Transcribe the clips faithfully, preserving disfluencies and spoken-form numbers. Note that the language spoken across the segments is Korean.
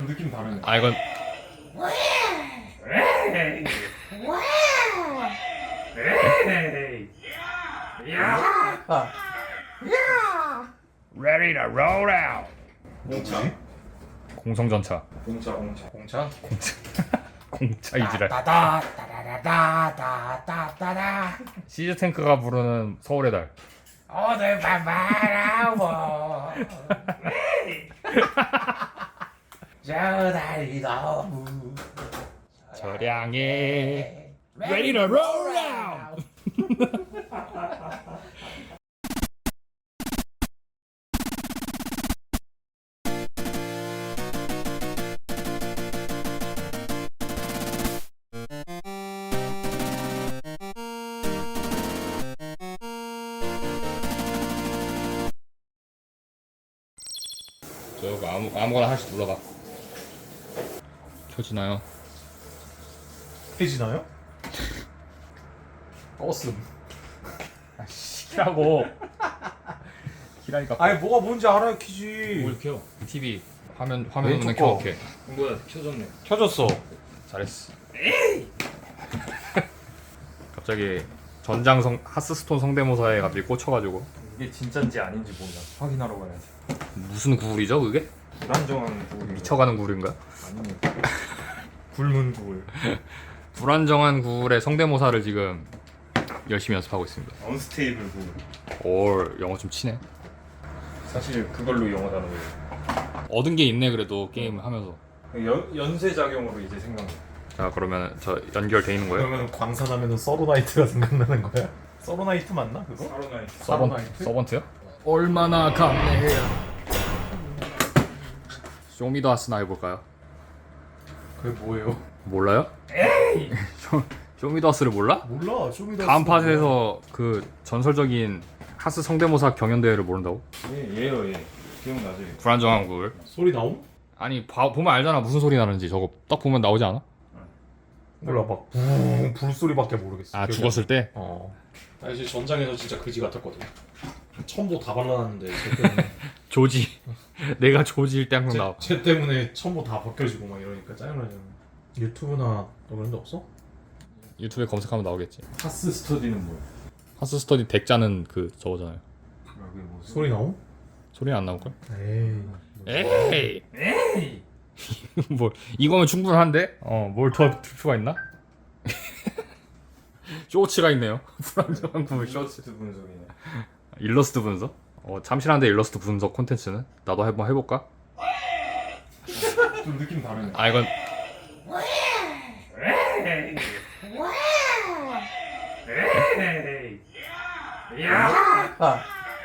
느낌 다르네. 아 이건 에이. 에이. 야. 아, Ready to roll out. 공차. 공성전차. 공차 공차. 공차? 공차 이지랄. 따다 따다다다다다다다 시즈 탱크가 부르는 서울의 달. 오늘 밤 바라보 저 달이 너무 저량에 Ready to roll out. 저거 아무 아무거나 하나씩 눌러봐. 켜지나요? 해지나요? 껐음. 키라고. 키라니까. 아니 뭐가 뭔지 알아야 키지. 뭘 켜? 티비 화면 화면 왼쪽 없는 거. 켜. 오케이. 뭐야 켜졌네. 켜졌어. 잘했어. 갑자기 전장성 하스스톤 성대모사에 갑자기 꽂혀가지고 이게 진짜인지 아닌지 몰라. 확인하러 가야지. 무슨 구울이죠 그게? 불안정한 구울. 미쳐가는 구울인가? 아닙니다. 굶은 구울. 불안정한 구울의 성대모사를 지금 열심히 연습하고 있습니다. 언스테이블 구울. 올 영어 좀 치네. 사실 그걸로 영어 단어예요. 얻은 게 있네 그래도 게임 하면서. 연 연쇄 작용으로 이제 생각나. 자 그러면 저 연결돼 있는 거예요? 그러면 광산하면은 서로나이트가 생각나는 거야? 서로나이트 맞나 그거? 사로나이트. 서번 서브나이트? 서번트요? 얼마나 감내해야. 쇼미더하스나 해볼까요? 그게 뭐예요? 몰라요? 에이. 쇼 쇼미더하스를 몰라? 몰라. 쇼미더 다음 팟에서 그 전설적인 하스 성대모사 경연 대회를 모른다고? 예 얘요 얘. 기억나지? 불안정한 구울. 소리 나옴? 아니 봐, 보면 알잖아 무슨 소리 나는지. 저거 딱 보면 나오지 않아? 몰라 막 붕 불소리밖에 모르겠어. 아 기억이 죽었을 때? 어. 나 이제 전장에서 진짜 그지 같았거든. 첨보 다 발라놨는데 쟤 때문에 조지. 내가 조지일 때 항상 나와. 쟤, 쟤 때문에 첨보 다 벗겨지고 막 이러니까 짜증나잖아. 유튜브나 너 그런 데 없어? 유튜브에 검색하면 나오겠지. 하스 스터디는 뭐야? 하스 스터디 덱 짜는 그 저거잖아요. 그게 뭐 소리 나옴? 소리는 안 나올걸? 에이. 에이. 에이. 뭘 이거면 충분한데? 어뭘 더 필요가 있나? 쇼츠가 있네요. 불안정한 구울 쇼츠. 쇼츠 분석이네. 일러스트 분석? 어 참신한데 일러스트 분석 콘텐츠는 나도 한번 해볼까? 좀 느낌 다르네. 아 이건 에이. 에이. 야. 아,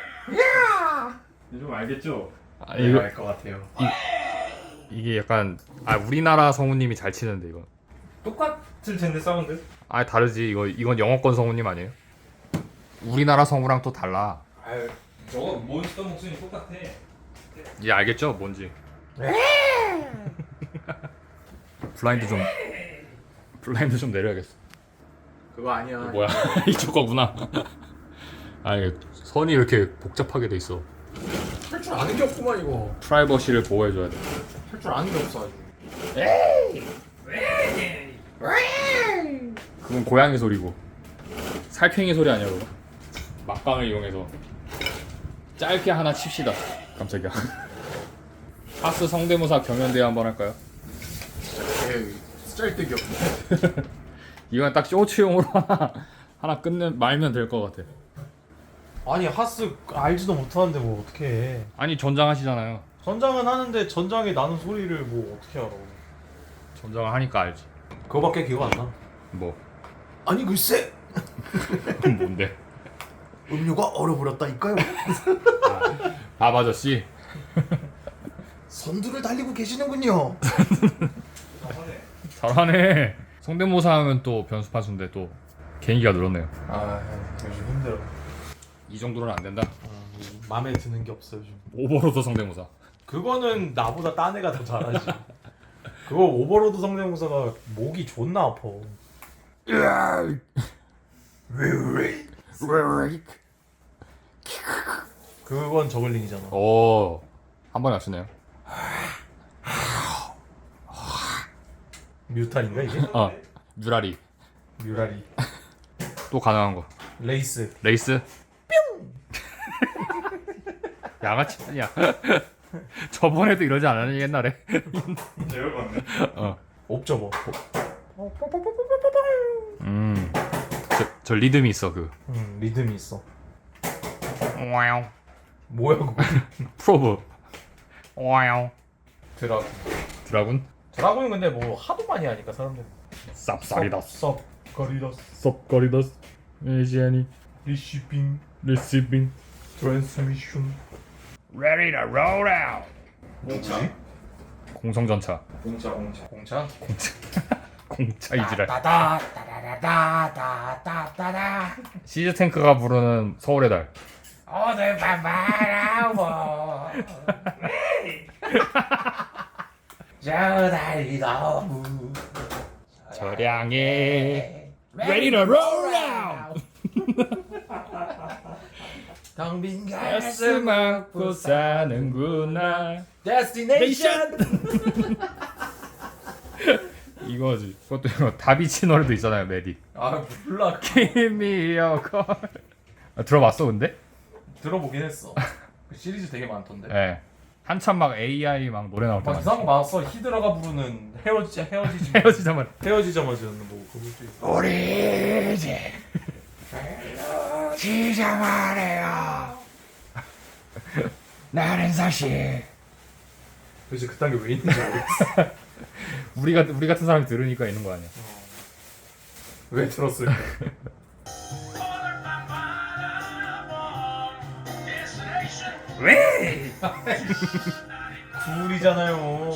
좀 알겠죠? 아, 이거 이거 알것 같아요. 이게 약간 아 우리나라 성우님이 잘 치는데 이거. 똑같을 텐데 사운드? 아 다르지 이거 이건 영어권 성우님 아니에요? 우리나라 성우랑 또 달라. 아유, 저거 몬스터 목소리 똑같아. 이제 알겠죠 뭔지. 블라인드 좀 블라인드 좀 내려야겠어. 그거 아니야. 이거 뭐야? 이쪽 거구나. 아 이게 선이 이렇게 복잡하게 돼 있어. 할 줄 아는 게 없구만 이거. 프라이버시를 보호해줘야 돼. 할 줄 아는 게 없어 아주. 그건 고양이 소리고 살쾡이 소리 아니야 그거? 막강을 이용해서 짧게 하나 칩시다. 깜짝이야. 하스 성대모사 경연대회 한번 할까요? 에이, 짤데기 없네. 이건 딱 쇼츠용으로 하나 하나 끝내 말면 될 것 같아. 아니 하스 알지도 못하는데 뭐 어떻게 해. 아니 전장하시잖아요. 전장은 하는데 전장에 나는 소리를 뭐 어떻게 알아. 전장을 하니까 알지. 그거밖에 기억 안 나. 뭐 아니 글쎄 뭔데? 음료가 얼어버렸다니까요. 밥 아저씨. 선두를 달리고 계시는군요. 잘하네. 성대모사 하면 또 변수파수인데 또 개인기가 늘었네요. 아 요즘 힘들어. 이 정도는 안 된다. 아, 마음에 드는 게 없어 요즘. 오버로드 성대모사. 그거는 나보다 딴 애가 더 잘하지. 그거 오버로드 성대모사가 목이 존나 아파. 그건 저글링이잖아. 오, 한 번에 맞추네요. 뮤탄인가 이게? 어 뮤라리. 뮤라리. 또 가능한 거. 레이스. 레이스. 뿅. 양아치 아니야. 저번에도 이러지 않았니 옛날에? 진짜 열받네. 어. 옵저버. 음. 저, 저 리듬이 있어 그. 음 리듬이 있어. 와우. 뭐야 그거? 프로브. 와우. 드라군. 드라군. 드라군은 근데 뭐 하도 많이 하니까 사람들. 쌉싸리다스. 섭 거리더스. 섭거리다스. 에지아니. 리시빙. 리시빙. 트랜스미션. Ready to roll out. 공차. 공성전차. 공차 공차. 공차. 공차 이지랄. 따다 따다다다다다다다. 시즈 탱크가 부르는 서울의 달. 오늘 밤 바라보. 저 달이 너무 저량에 Ready to roll out. 당빈 가슴 안고 사는구나. 데스티네이션. 이거지. 그것도 이거 다비치 노래도 있잖아요. 메디. 아 몰라. Give me your call. 아, 들어봤어 근데? 들어보긴 했어. 그 시리즈 되게 많던데. 예. 네. 한참 막 에이아이 막 노래 나올 때 막 많이 이상한 거 많았어. 히드라가 부르는 헤어지 헤어지지 헤어지자마자 헤어지자마자는 뭐 그것도 있어. 우리 이제 헤어지자 말해요. 나는 사실 도대체 그딴 게 왜 있는지 모르겠어. 우리 같은 우리 같은 사람이 들으니까 있는 거 아니야? 왜 들었을까? 왜? 굴이잖아요.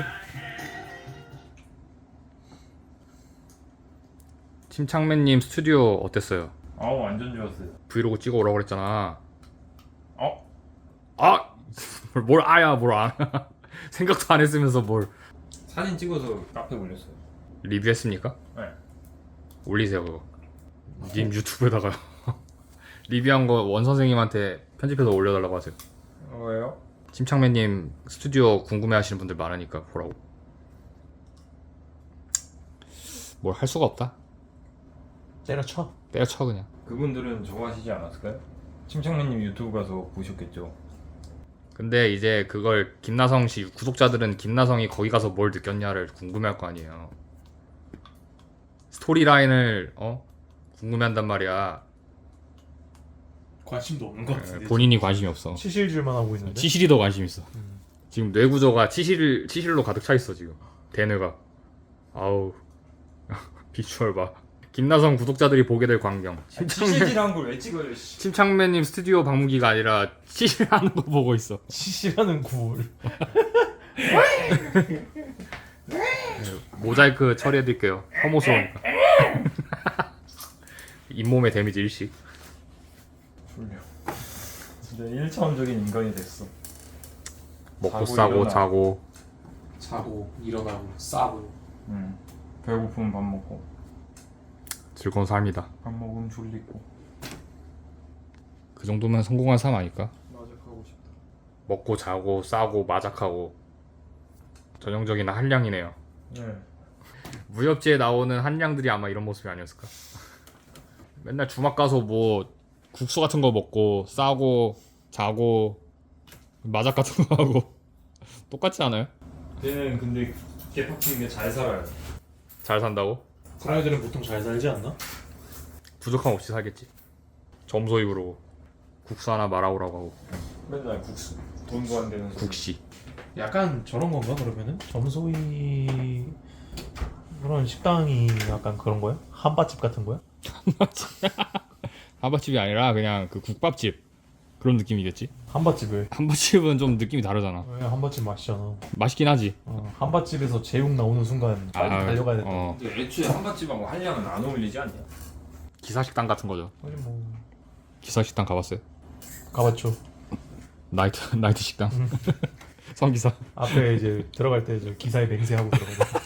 침착맨님 스튜디오 어땠어요? 아우 완전 좋았어요. 브이로그 찍어 오라고 그랬잖아. 어? 아! 뭘, 뭘 아야 뭘 안. 생각도 안 했으면서 뭘 사진 찍어서 카페 올렸어요. 리뷰했습니까? 네. 올리세요 그거. 님 유튜브에다가 리뷰한 거 원 선생님한테 편집해서 올려달라고 하세요. 어, 왜요? 침착맨님 스튜디오 궁금해하시는 분들 많으니까 보라고. 뭘 할 수가 없다. 때려쳐. 때려쳐 그냥. 그분들은 저거 하시지 않았을까요? 침착맨님 유튜브 가서 보셨겠죠. 근데 이제 그걸 김나성 씨 구독자들은 김나성이 거기 가서 뭘 느꼈냐를 궁금해할 거 아니에요. 스토리라인을 어 궁금해한단 말이야. 관심도 없는 것 같은데. 본인이 관심이 없어. 치실질만 하고 있는데. 치실이 더 관심 있어. 음. 지금 뇌 구조가 치실 치실로 가득 차 있어 지금. 대뇌가. 아우 비주얼 봐. 김나성 구독자들이 보게 될 광경. 치실질한 걸 왜 찍어요? 씨. 침착맨님 스튜디오 방문기가 아니라 치실하는 거 보고 있어. 치실하는 굴. 모자이크 처리해드릴게요. 혐오스러우니까. 잇몸에 데미지 일식. 졸려. 진짜 일차원적인 인간이 됐어. 먹고 자고 싸고 일어나. 자고. 자고 일어나고 싸고. 응. 배고프면 밥 먹고. 즐거운 삶이다. 밥 먹으면 졸리고. 그 정도면 성공한 삶 아닐까? 마작하고 싶다. 먹고 자고 싸고 마작하고. 전형적인 한량이네요. 네. 무협지에 나오는 한량들이 아마 이런 모습이 아니었을까? 맨날 주막 가서 뭐 국수 같은 거 먹고 싸고 자고 마작 같은 거 하고 똑같지 않아요? 걔는 근데 개팍치게 잘 살아요. 잘 산다고? 그런 애들은 보통 잘 살지 않나? 부족함 없이 살겠지. 점소 입으로 국수 하나 말아오라고 하고. 맨날 국수. 돈도 안 되는 소리. 국시. 약간 저런 건가 그러면은? 점소이 그런 식당이 약간 그런 거야? 한밭집 같은 거야? 한밭집이 아니라 그냥 그 국밥집 그런 느낌이겠지. 한밭집을 한밭집은 좀 느낌이 다르잖아. 왜 한밭집 맛있잖아. 맛있긴 하지. 어, 한밭집에서 제육 나오는 순간 빨리 아, 달려가야 된다. 어, 근데 애초에 한밭집하고 한량은 안 어울리지 않냐? 기사식당 같은 거죠. 아니 뭐 기사식당 가봤어요? 가봤죠. 나이트 나이트 식당. 성기사. 앞에 이제 들어갈 때 이제 기사에 맹세하고 들어가고.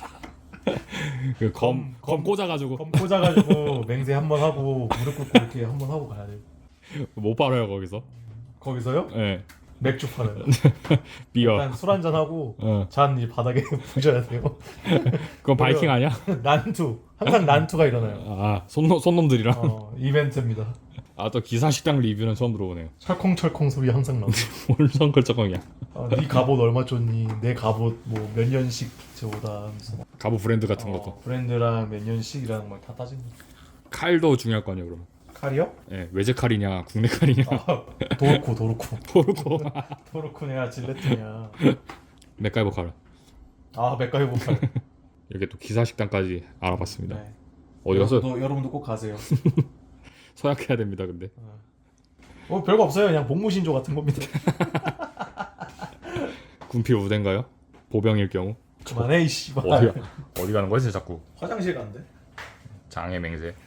그검 검 꽂아가지고 검 꽂아가지고 맹세 한 번 하고 무릎 꿇고 이렇게 한 번 하고 가야 돼. 못 팔아요 거기서. 거기서요? 예. 맥주 파는. 비어. 일단 술 한잔 하고 어. 잔 이제 바닥에 부셔야 돼요. 그건 바이킹 아니야? 난투. 항상 난투가 일어나요. 아 손놈 손놈들이랑. 어, 이벤트입니다. 아 또 기사 식당 리뷰는 처음 들어보네요. 철컹철컹 소리 항상 나고. 뭘 성걸쩍이야. 어, 네 갑옷 얼마 줬니? 내 갑옷 뭐 몇 년씩 저보다 하면서. 가부 브랜드 같은 것도. 어, 브랜드랑 몇 년씩이랑 뭐 다 따진 거. 칼도 중요할 거 아니에요 그러면. 칼이요? 예, 외제 칼이냐 국내 칼이냐. 아, 도르코 도르코. 도르코. 도르코냐 질레트냐. 맥가이버 칼. 아 맥가이버 칼. 이렇게 또 기사 식당까지 알아봤습니다. 네. 어디 가서 여러분도, 여러분도 꼭 가세요. 서약해야 됩니다 근데. 어 별거 없어요. 그냥 복무신조 같은 겁니다. 군필 우대인가요? 보병일 경우. 그만해 이 씨발. 어디 어디 가는 거지 자꾸. 화장실 간대. 장애 맹세.